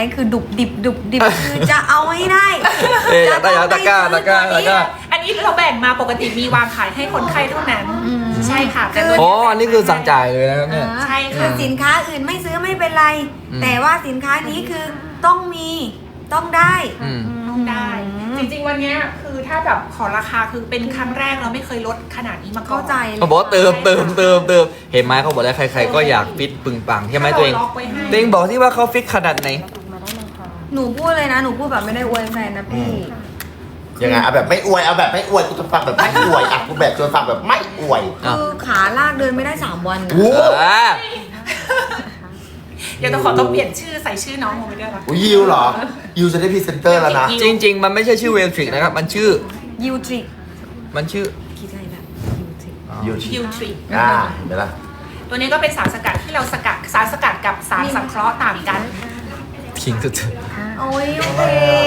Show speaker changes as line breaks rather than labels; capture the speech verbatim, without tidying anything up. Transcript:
คือดุบดิบดุบดิบคือจะเอาให้ได้
เอ๊ะอยากได้อยากตะกร้าตะกร้าตะกร้า
อันนี้เราแบ่งมาปกติมีวางขายให้คนไข้เท่านั้นใช่ค่ะแต่ตัว
อ๋ออันนี้คือสั่งจ่ายเลยนะครับเนี่ย
ใช่
คื
ค่ะ
อสินค้าอื่นไม่ซื้อไม่เป็นไร
อืม
แต่ว่าสินค้านี้คือต้องมีต้องได้
อืม
ต้องได้ จริงๆวันเนี้ยคือถ้าแบบขอราคาคือเป็นครั้งแรกเราไม่เคยลดขนาดนี้มาก่อน
เข้าใจเลย
เขาบอกว่าเติมเติมเติมเติมเห็นไหมเขาบอกแล้วใครๆก็อยากฟิตปึงปังใช่ไหมตัวเอง
ถ้าราล็อกไว้ให้
ตัวเองบอกที่ว่าเขาฟิตขนาดไหน
หนูพูดเลยนะหนูพูดแบบไม่ได้อวยแฟนนะพี่
ยังไงเอาแบบไม่อวยเอาแบบไม่อวยกูจะฟังแบบไม่อวยอ่ะกูแบบชวนฟังแบบไม่อวย
อ่ะ
คือขาลากเดินไม่ได้สามวันนะ
โอ้
อ่า
เดี๋ยวต้องขอต้องเปลี่ยนชื่อใส่ชื่อน้องลงไปด้วยนะ
โหยิวเหรอยิวจะได้พรีเซนเตอร์แล้วนะ
จริง ๆ มันไม่ใช่ชื่อเวลทริกนะครับ มันชื่อ
ยูทริก
มันชื่อ
คิดอะไรแบบยูทริก
ยิว
คิวทรี
อ่าเห็นไหมล่ะ
ตัวนี้ก็เป็นสารสกัดที่เราสกัดสารสกัดกับสารสังเคราะห์ต่างกัน
พิงสุด
โอ้ยโอเค